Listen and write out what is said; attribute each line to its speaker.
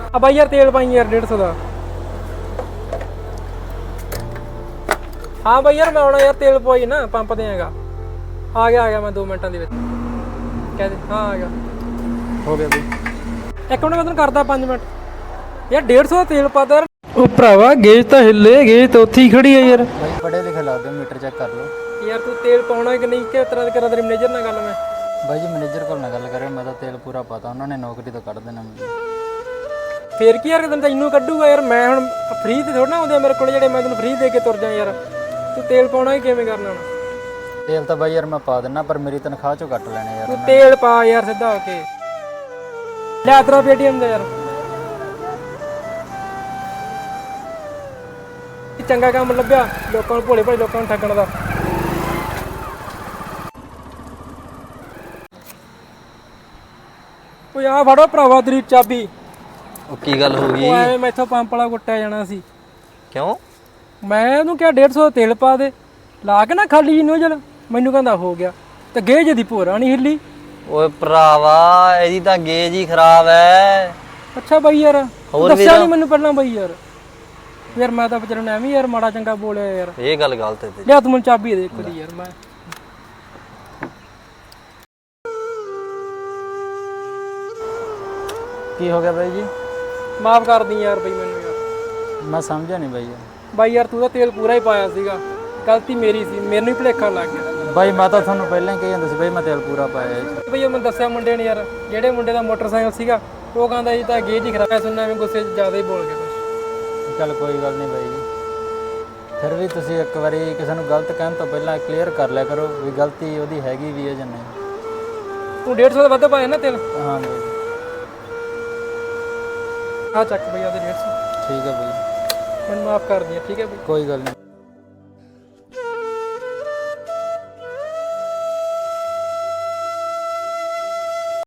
Speaker 1: ਆ ਬਾਈ ਯਾਰ ਤੇਲ ਪਾਈ ਯਾਰ 150 ਦਾ। ਹਾਂ ਬਾਈ ਯਾਰ ਮੈਂ ਆਉਣਾ ਯਾਰ, ਤੇਲ ਪਵਾਈ ਨਾ ਪੰਪ ਤੇ ਹੈਗਾ। ਆ ਗਿਆ ਮੈਂ 2 ਮਿੰਟਾਂ ਦੇ ਵਿੱਚ। ਕਹਿ ਦੇ ਹਾਂ ਆ ਗਿਆ। ਹੋ ਗਿਆ ਬਈ, ਇੱਕ ਮਿੰਟ ਮੈਂ ਤੈਨੂੰ ਕਰਦਾ 5 ਮਿੰਟ। ਯਾਰ 150 ਦਾ ਤੇਲ ਪਾਦਾ ਯਾਰ। ਉਹ ਭਰਾਵਾ ਗੇਜ ਤਾਂ ਹਿੱਲੇ, ਗੇਜ ਤਾਂ ਉੱਥੇ ਹੀ ਖੜੀ ਹੈ ਯਾਰ।
Speaker 2: ਬਾਈ ਪੜ੍ਹੇ ਲਿਖੇ ਲੱਗਦੇ, ਮੀਟਰ ਚੈੱਕ ਕਰ ਲਓ।
Speaker 1: ਯਾਰ ਤੂੰ ਤੇਲ ਪਾਉਣਾ ਕਿ ਨਹੀਂ, ਕਿ ਤਰ੍ਹਾਂ ਕਰਾਂ ਤੇਰੇ ਮੈਨੇਜਰ ਨਾਲ ਗੱਲ ਮੈਂ।
Speaker 2: ਬਾਈ ਜੀ ਮੈਨੇਜਰ ਕੋਲ ਨਾ ਗੱਲ ਕਰਿਓ, ਮੈਂ ਤਾਂ ਤੇਲ ਪੂਰਾ ਪਾਤਾ, ਉਹਨਾਂ ਨੇ ਨੌਕਰੀ ਤੋਂ ਕੱਢ ਦੇਣਾ ਮੈਨੂੰ।
Speaker 1: ਫੇਰ ਕੀ ਯਾਰ, ਤੈਨੂੰ ਤਾਂ ਇੰਨੂੰ ਕੱਢੂਗਾ ਯਾਰ। ਮੈਂ ਹੁਣ ਫ੍ਰੀ ਤੇ ਥੋੜਾ ਨਾ ਆਉਂਦੇ ਮੇਰੇ ਕੋਲ ਜਿਹੜੇ ਮੈਂ ਤੈਨੂੰ ਫ੍ਰੀ ਦੇ ਕੇ ਤੁਰ ਜਾ ਯਾਰ। ਤੂੰ ਤੇਲ ਪਾਉਣਾ ਹੀ ਕਿਵੇਂ ਕਰਨਾ ਹੁਣ?
Speaker 2: ਤੇਲ ਤਾਂ ਬਾਈ ਯਾਰ ਮੈਂ ਪਾ ਦਿੰਨਾ, ਪਰ ਮੇਰੀ ਤਨਖਾਹ ਚੋਂ ਕੱਟ ਲੈਣੇ ਯਾਰ।
Speaker 1: ਤੂੰ ਤੇਲ ਪਾ ਯਾਰ ਸਿੱਧਾ ਹੋ ਕੇ। ਲੈ ਤੇਰਾ ਪੇਟੀਐਮ ਦਾ ਯਾਰ। ਚੰਗਾ ਕੰਮ ਲੱਭਿਆ ਲੋਕਾਂ ਨੂੰ, ਭੋਲੇ ਭਾਲੇ ਲੋਕਾਂ ਨੂੰ ਠੱਗਣ ਦਾ। ਓਏ ਆ ਫੜੋ ਭਰਾਵਾ ਤੇਰੀ ਚਾਬੀ।
Speaker 3: ਉਹ ਕੀ ਗੱਲ ਹੋ ਗਈ?
Speaker 1: ਉਹ ਐਵੇਂ ਮੈਥੋਂ ਪੰਪ ਵਾਲਾ ਕੁੱਟਿਆ ਜਾਣਾ ਸੀ।
Speaker 3: ਕਿਉਂ?
Speaker 1: ਮੈਂ ਉਹਨੂੰ ਕਿਹਾ 150 ਦਾ ਤੇਲ ਪਾ ਦੇ, ਲਾ ਕੇ ਨਾ ਖਾਲੀ ਜੀ ਨੋਜਲ। ਮੈਨੂੰ ਕਹਿੰਦਾ ਹੋ ਗਿਆ, ਤੇ ਗੇਜ ਦੀ ਭੋਰਾ ਨਹੀਂ ਹਿੱਲੀ।
Speaker 3: ਓਏ ਭਰਾਵਾ ਇਹਦੀ ਤਾਂ ਗੇਜ ਹੀ ਖਰਾਬ ਐ।
Speaker 1: ਅੱਛਾ ਬਾਈ ਯਾਰ,
Speaker 3: ਹੋਰ
Speaker 1: ਦੱਸਿਆ ਨਹੀਂ ਮੈਨੂੰ ਪਹਿਲਾਂ ਬਾਈ ਯਾਰ। ਯਾਰ ਮੈਂ ਤਾਂ ਵਿਚਾਰੇ ਨੂੰ ਐਵੇਂ ਯਾਰ ਮਾੜਾ ਚੰਗਾ ਬੋਲਿਆ ਯਾਰ।
Speaker 3: ਇਹ ਗੱਲ ਗਲਤ ਹੈ।
Speaker 1: ਲਿਆ ਤੂੰ ਮੈਨੂੰ ਚਾਬੀ ਦੇ ਇੱਕ ਦੀ ਯਾਰ। ਮੈਂ
Speaker 2: ਕੀ ਹੋ ਗਿਆ ਬਾਈ ਜੀ?
Speaker 1: ਮਾਫ ਕਰ ਦੀ ਯਾਰ ਬਈ ਮੈਨੂੰ ਯਾਰ।
Speaker 2: ਮੈਂ ਸਮਝਿਆ ਨਹੀਂ ਬਾਈ ਯਾਰ।
Speaker 1: ਬਾਈ ਯਾਰ ਤੂੰ ਤਾਂ ਤੇਲ ਪੂਰਾ ਹੀ ਪਾਇਆ ਸੀਗਾ, ਗਲਤੀ ਮੇਰੀ ਸੀ, ਮੈਨੂੰ ਹੀ ਭੁਲੇਖਾ ਲੱਗ ਗਿਆ।
Speaker 2: ਬਾਈ ਮੈਂ ਤਾਂ ਤੁਹਾਨੂੰ ਪਹਿਲਾਂ ਹੀ ਕਹੀ ਜਾਂਦਾ ਸੀ ਬਾਈ, ਮੈਂ ਤੇਲ ਪੂਰਾ ਪਾਇਆ ਇਹ 'ਚ।
Speaker 1: ਬਈ ਮੈਨੂੰ ਦੱਸਿਆ ਮੁੰਡੇ ਨੇ ਯਾਰ, ਜਿਹੜੇ ਮੁੰਡੇ ਦਾ ਮੋਟਰਸਾਈਕਲ ਸੀਗਾ, ਉਹ ਕਹਿੰਦਾ ਜੀ ਤਾਂ ਗੇਜ ਹੀ ਖਰਾਬ। ਮੈਂ ਸੁਣਨਾ ਐਵੇਂ ਗੁੱਸੇ 'ਚ ਜ਼ਿਆਦਾ ਹੀ ਬੋਲ ਗਿਆ ਕੁਛ।
Speaker 2: ਚੱਲ ਕੋਈ ਗੱਲ ਨਹੀਂ ਬਾਈ ਜੀ, ਫਿਰ ਵੀ ਤੁਸੀਂ ਇੱਕ ਵਾਰੀ ਕਿਸੇ ਨੂੰ ਗਲਤ ਕਹਿਣ ਤੋਂ ਪਹਿਲਾਂ ਕਲੀਅਰ ਕਰ ਲਿਆ ਕਰੋ ਵੀ ਗਲਤੀ ਉਹਦੀ ਹੈਗੀ ਵੀ ਹੈ ਜਾਂ ਨਹੀਂ।
Speaker 1: ਤੂੰ 150 ਦਾ ਵੱਧ ਪਾਇਆ ਨਾ ਤੇਲ।
Speaker 2: ਹਾਂ ਬਾਈ
Speaker 1: ਆ ਚੱਕ ਬਈ ਆਦੇ 150।
Speaker 2: ਠੀਕ ਹੈ ਬਾਈ,
Speaker 1: ਮੈਨੂੰ ਮਾਫ ਕਰ ਦਿਆ, ਠੀਕ ਹੈ ਬਈ।
Speaker 2: ਕੋਈ ਗੱਲ ਨਹੀਂ।